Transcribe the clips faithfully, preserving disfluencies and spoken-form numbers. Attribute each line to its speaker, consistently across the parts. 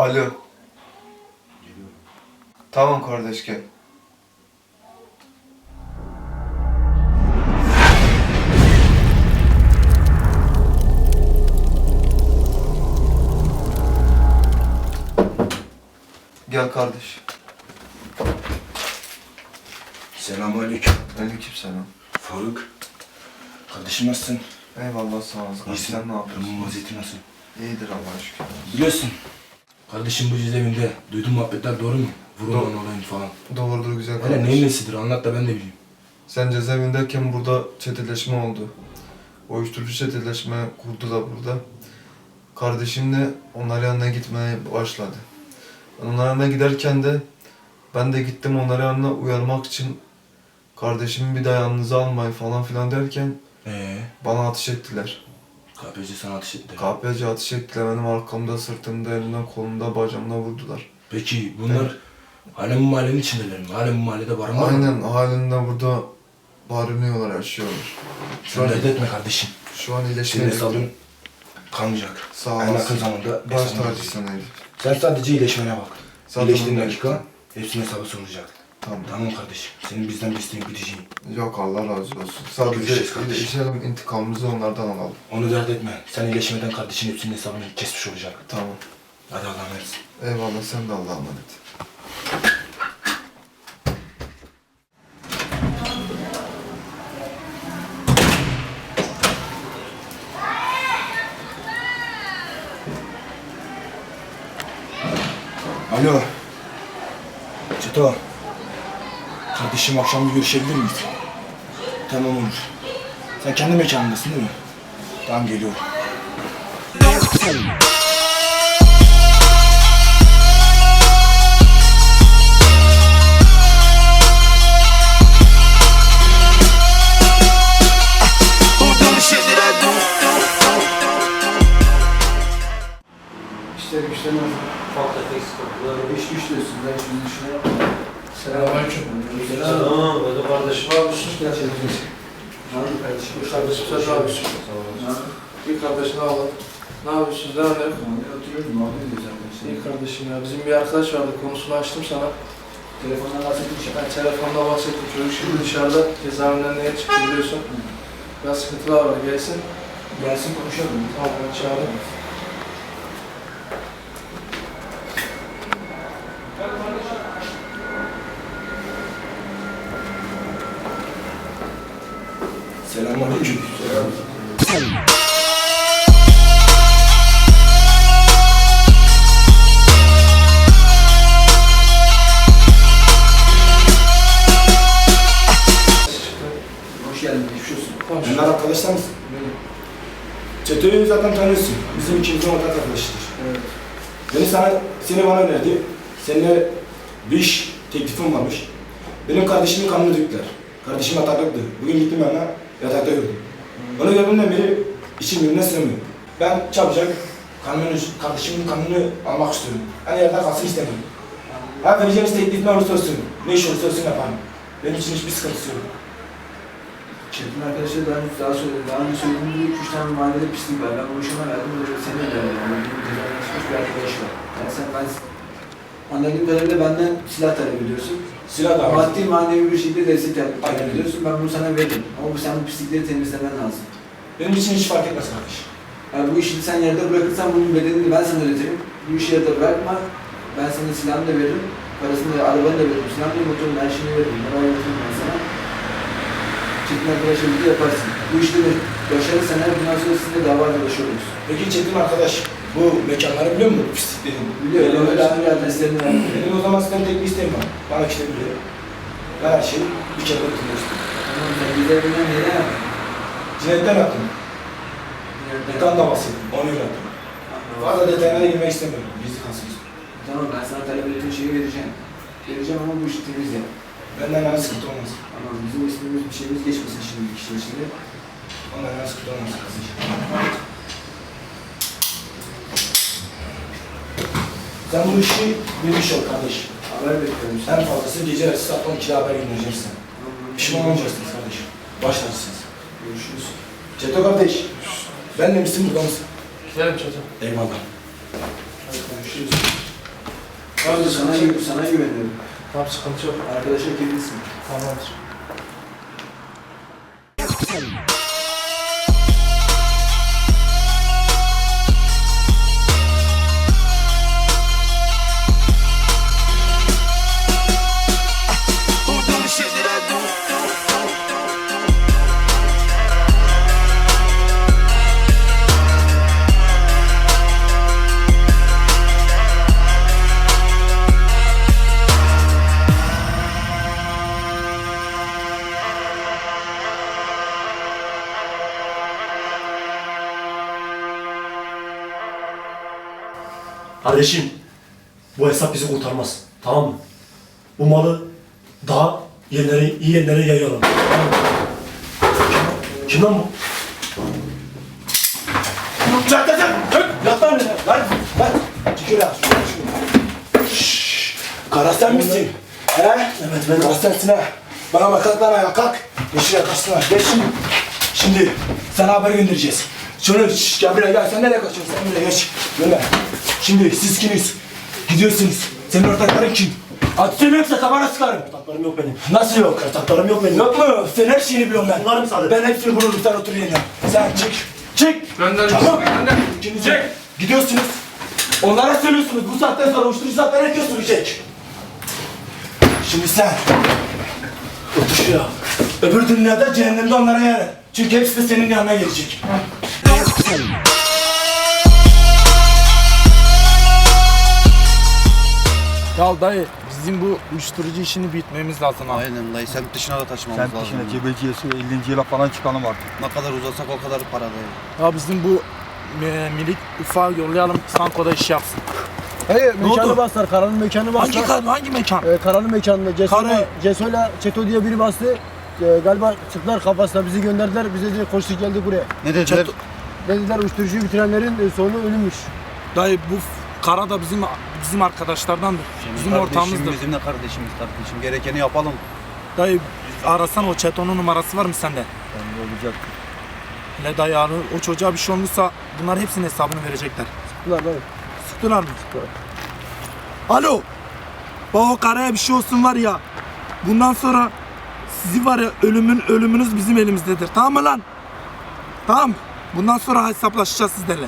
Speaker 1: Alo.
Speaker 2: Geliyorum.
Speaker 1: Tamam kardeş gel. Gel kardeş.
Speaker 2: Selamünaleyküm.
Speaker 1: Aleykümselam.
Speaker 2: Faruk. Kardeşim nasılsın?
Speaker 1: Eyvallah sağ olasın.
Speaker 2: İyisin.
Speaker 1: Sen ne yapıyorsun?
Speaker 2: Durumun vaziyeti nasıl?
Speaker 1: İyidir Allah'a şükür.
Speaker 2: Biliyorsun. Kardeşim bu cezaevinde duyduğum muhabbetler doğru mu? Vurulman olayın falan.
Speaker 1: Doğrudur güzel
Speaker 2: Hele
Speaker 1: kardeş.
Speaker 2: neyin nesidir anlat da ben de bileyim.
Speaker 1: Sen cezaevindeyken burada çeteleşme oldu. Uyuşturucu çeteleşme kurdu da burada. Kardeşim de onların yanına gitmeye başladı. Ben onların yanına giderken de ben de gittim onların yanına uyarmak için kardeşimi bir daha yanınıza almayın falan filan derken
Speaker 2: Ee,
Speaker 1: bana ateş ettiler.
Speaker 2: K P C sana ateş etti.
Speaker 1: K P C ateş ettiler. Benim arkamda, sırtımda, elimden, kolumda, bacağımda vurdular.
Speaker 2: Peki bunlar halen bu mahallenin içindeler mi? Halen bu mahallede barın var mı?
Speaker 1: Aynen halinde burada barınıyorlar, yaşıyorlar.
Speaker 2: Şu an dert etme kardeşim.
Speaker 1: Şu an
Speaker 2: Senin
Speaker 1: iyileşmeye
Speaker 2: hesabın kalmayacak.
Speaker 1: Sağ
Speaker 2: En yakın
Speaker 1: olasın.
Speaker 2: zamanda
Speaker 1: Baş
Speaker 2: hesabın
Speaker 1: tacısın
Speaker 2: olacak.
Speaker 1: Elif.
Speaker 2: Sen sadece iyileşmene bak.
Speaker 1: Zaten
Speaker 2: İyileştiğin
Speaker 1: öyle.
Speaker 2: dakika hepsinin hesabı sorulacak.
Speaker 1: Tamam.
Speaker 2: Tamam kardeşim. Senin bizden bir isteğin biteceği.
Speaker 1: Yok Allah razı olsun. Sadece
Speaker 2: Görüşeceğiz kardeşim.
Speaker 1: iyileşelim, intikamımızı onlardan alalım.
Speaker 2: Onu dert etme. Sen iyileşmeden kardeşin hepsinin hesabını kesmiş olacak.
Speaker 1: Tamam.
Speaker 2: Hadi Allah'a emanet.
Speaker 1: Eyvallah sen de Allah'a emanet.
Speaker 2: Alo. Çeto. Kardeşim akşam bir görüşebilir miyiz? Tamam olur. Sen kendi mekanındasın değil mi? Tamam geliyorum.
Speaker 3: İşler güçler nasıl?
Speaker 4: Ufak tefek sıkıntılar.
Speaker 3: İş güç diyorsun, ben hiç bir düşünüyorum.
Speaker 4: Selamünaleyküm.
Speaker 3: Selam.
Speaker 4: Selam. Hadi kardeşim.
Speaker 3: Ne yapıyorsun? Gel şöyle bir şey. Ne yapıyorsun kardeşim?
Speaker 4: Hoş kardeşim sen ne yapıyorsun?
Speaker 3: Ne yapıyorsun?
Speaker 4: İyi kardeşim ne yapalım? Ne yapıyorsunuz? Ne yapıyorsun?
Speaker 3: Ben oturuyorum, muhabbet ediyoruz arkadaşlar.
Speaker 4: İyi kardeşim ya. Bizim bir arkadaş vardı. Konusunu açtım sana.
Speaker 3: Telefondan bahsetmiş.
Speaker 4: Ben telefonda bahsettim. Çocuk şimdi dışarıda cezaevinden neye çıktı biliyorsun. Biraz sıkıntılar var. Gelsin.
Speaker 3: Gelsin konuşalım.
Speaker 4: Tamam ben çağırayım.
Speaker 2: Selamünaleyküm. Selam.
Speaker 3: Hoş geldin, geçmiş olsun.
Speaker 4: Tamam.
Speaker 2: Bunlar arkadaşlar mısın?
Speaker 3: Benim.
Speaker 2: Çeto'yu zaten tanıyorsun. Bizim ikimizin ortak arkadaşıdır.
Speaker 3: Evet.
Speaker 2: Beni sana, seni bana önerdi. Seninle bir iş teklifim varmış. Benim kardeşimin kanını döktüler. Kardeşim yataklıktı. Bugün gittim yanına, yatakta gördüm. Onu gördüğümden beri içim birbirine sığmıyor. Ben çabucak kanını, kardeşimin kanını almak istiyorum. Hani yerde kalsın istemiyorum. Ha vereceğimiz teklif ne olursa olsun, ne iş olursa olsun yaparım. Benim için hiçbir sıkıntısı yok.
Speaker 3: Çetin arkadaşlar daha önce daha söyledim. Daha önce söylediğim gibi üç tane mahallede pislik var. Ben bu işime verdim. Bu da seni de verdim. Yani benim cezaevine çıkmış bir arkadaş var. Yani sen ben anladığım kadarıyla benden silah talep ediyorsun.
Speaker 2: Silah da var.
Speaker 3: Maddi manevi bir şekilde destek talep
Speaker 2: Aynen.
Speaker 3: ediyorsun. Ben bunu sana veririm. Ama bu sen bu pislikleri temizlemen lazım.
Speaker 2: Benim için hiç fark etmez kardeş.
Speaker 3: Yani bu işi sen yerde bırakırsan bunun bedelini ben sana ödetirim. Bu işi yerde bırakma. Ben sana silahını da veririm. Parasını da, arabanı da veririm. Silahını da, motorunu, her şeyini veririm. Bunları öğretirim ben sana. Çetin arkadaşla birlikte yaparsın. Bu işte de başarırsan her bundan sonra sizinle dava arkadaşı oluruz.
Speaker 2: Peki Çetin arkadaş, bu mekanları biliyor musun? Pisliklerin.
Speaker 3: Biliyorum. Öyle daha önce adreslerini verdim.
Speaker 2: Benim o zaman sizden tek bir isteğim var. Bana işte biliyor. Ben her şeyi bir kere bitiriyorsun.
Speaker 3: Tamam sen güzelinden neden yaptın?
Speaker 2: Cinayetten yaptım. Mekan da bahsettim. Onu yaptım. Fazla detaylara girmek istemiyorum. Gizli kalsın.
Speaker 3: Tamam ben sana talep ettiğin şeyi vereceğim. Vereceğim ama bu işi temiz yap.
Speaker 2: Benden yana sıkıntı olmaz.
Speaker 3: Tamam bizim ismimiz bir şeyimiz geçmesin şimdi bir kişinin içinde.
Speaker 2: Ondan yana sıkıntı olmaz. Sen bu işi bilmiş ol kardeş.
Speaker 3: Haber bekliyorum işte.
Speaker 2: En fazlası gece yarısı saat on ikide haber göndereceksin. Pişman olmayacaksınız kardeşim. Başlarsınız.
Speaker 3: Görüşürüz.
Speaker 2: Çeto kardeş. Ben de misin burada mısın?
Speaker 4: Gidelim çocuğum.
Speaker 2: Eyvallah.
Speaker 4: Hadi görüşürüz. Abi
Speaker 3: Sana,
Speaker 4: sıkıntı yok.
Speaker 3: sana güveniyorum.
Speaker 4: Tamam sıkıntı yok.
Speaker 3: Arkadaşa kefilsin.
Speaker 4: Tamamdır.
Speaker 5: Kardeşim, bu hesap bizi kurtarmaz. Tamam mı? Bu malı daha yerlere, iyi yerlere yayalım. Tamam mı? Kim lan bu?
Speaker 2: Çak çak çak! Yat lan önüne! Lan! Lan! Çıkıyor ya! Şşşş! Kara sen misin? He? Evet ben Kara sensin ha! Bana bak kalk lan ayağa kalk! Geç şuraya kaçsın geç şimdi! Şimdi sana haber göndereceğiz. Şunu şşş gel buraya gel sen nereye kaçıyorsun sen buraya geç. Gönder. Şimdi siz kimiz? Gidiyorsunuz. Senin ortakların kim? Atışım yoksa tabana sıkarım.
Speaker 5: Ortaklarım yok benim.
Speaker 2: Nasıl yok?
Speaker 5: Ortaklarım yok benim.
Speaker 2: Yok mu? Sen her şeyini biliyorum ben.
Speaker 5: Bunlar müsaade.
Speaker 2: Ben hepsini bulurum sen otur yerine. Sen çık. Çık.
Speaker 4: Gönder.
Speaker 2: Tamam.
Speaker 4: Gönder.
Speaker 2: İkiniz de gidiyorsunuz. Onlara söylüyorsunuz. Bu saatten sonra uyuşturucu zaten herkes sürecek. Şimdi sen otur şuraya. Öbür dünyada cehennemde onlara yer ver. Çünkü hepsi de senin yanına gelecek.
Speaker 6: Ya dayı bizim bu uyuşturucu işini bitmemiz lazım abi.
Speaker 7: Aynen dayı, semt dışına da taşımamız
Speaker 8: Semt
Speaker 7: lazım.
Speaker 8: dışına cebeciyesi ellinci yıla falan çıkalım artık.
Speaker 7: Ne kadar uzatsak o kadar para dayı.
Speaker 6: Ya bizim bu e, minik ufağı yollayalım Sanko'da iş yapsın.
Speaker 9: Hayır,
Speaker 6: Ne
Speaker 9: mekanı
Speaker 6: oldu?
Speaker 9: bastılar, Karan'ın mekanı bastılar.
Speaker 6: Hangi hangi mekan?
Speaker 9: Ee, Karan'ın mekanında Ceso'yla,
Speaker 6: Kara-
Speaker 9: Ceso'yla Çeto diye biri bastı. Ee, galiba sıktılar kafasına, bizi gönderdiler, bize de koştuk geldik buraya.
Speaker 7: Ne dediler?
Speaker 9: Dediler uyuşturucuyu bitirenlerin e, sonu ölümmüş.
Speaker 6: Dayı bu f- Kara da bizim bizim arkadaşlardandır. Bizim
Speaker 7: Kardeşim,
Speaker 6: ortağımızdır.
Speaker 7: Bizim de kardeşimiz kardeşim. Gerekeni yapalım.
Speaker 6: Dayı arasan o Çeto'nun numarası var mı sende?
Speaker 9: Yani olacak.
Speaker 6: Ne dayı abi, o çocuğa bir şey olmuşsa bunlar hepsinin hesabını verecekler.
Speaker 9: Sıktılar dayı.
Speaker 6: Sıktılar mı? Alo. Bak o Kara'ya bir şey olsun var ya. Bundan sonra sizi var ya ölümün ölümünüz bizim elimizdedir. Tamam mı lan? Tamam. Bundan sonra hesaplaşacağız sizlerle.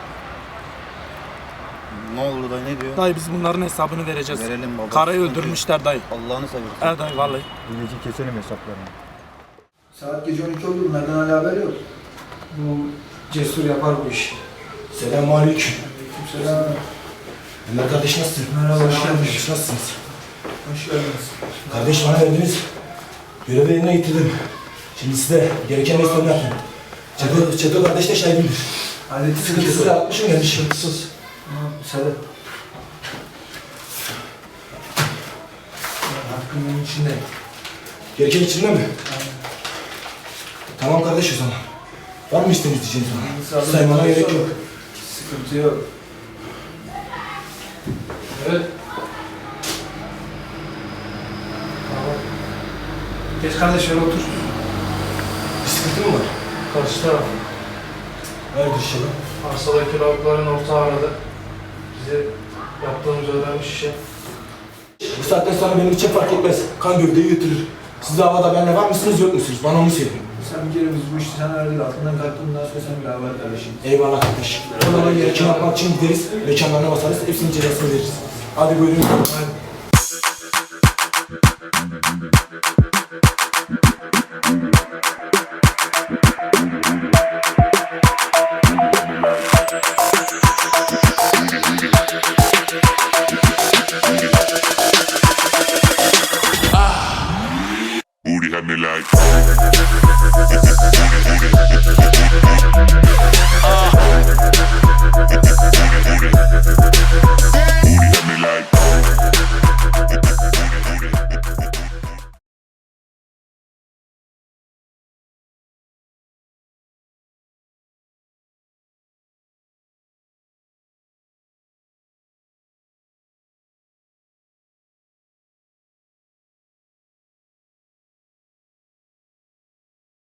Speaker 7: Ne olur dayı, ne diyor?
Speaker 6: Dayı biz bunların hesabını vereceğiz.
Speaker 7: Verelim baba.
Speaker 6: Karayı
Speaker 7: Sıkıntı
Speaker 6: öldürmüşler dayı.
Speaker 7: yok. Allah'ını seversen.
Speaker 6: Evet dayı vallahi.
Speaker 8: Bu gece keselim hesaplarını.
Speaker 3: Saat gece on iki oldu, bunlardan hala haber yok. Bu cesur yapar bu işi.
Speaker 2: Selamünaleyküm.
Speaker 3: Selam.
Speaker 2: Ömer kardeş nasılsın?
Speaker 3: Merhaba, hoş geldiniz.
Speaker 2: Kardeş, nasılsınız?
Speaker 3: Hoş geldiniz.
Speaker 2: Kardeş bana verdiniz. Görevi yerine getirdim. Şimdi size gereken neyse onu yapın. Çeto, Çeto kardeş de şahidimdir.
Speaker 3: Hallettin
Speaker 2: Sıkıntısız yapmışım gelmiş.
Speaker 3: Sıkıntısız. Tamam, müsaade. Hakkımın içinde.
Speaker 2: Gereken içinde mi? Tamam kardeş o zaman. Var mı isteğiniz diyeceğiniz bana? Saymana gerek yok.
Speaker 3: Sıkıntı yok.
Speaker 4: Evet. Tamam. Geç kardeş şöyle otur.
Speaker 2: Bir sıkıntı mı var?
Speaker 4: Karşı taraf.
Speaker 2: Hayırdır inşallah.
Speaker 4: Arsadaki lavukların ortağı aradı. Bize yaptığımız öğrenmiş işe.
Speaker 2: Bu saatten sonra benim için fark etmez. Kan gövdeyi götürür. Siz de havada benimle var mısınız yok musunuz? Bana onu söyleyin.
Speaker 3: Sen bir kere biz bu işi sen öğrendik, altından kalktın, bundan sonra sen bir haber kardeşim.
Speaker 2: Eyvallah kardeş. O zaman gerekeni yapmak için gideriz. Mekanlarına basarız. Hepsinin cezasını veririz. Hadi buyurun.
Speaker 3: Hadi.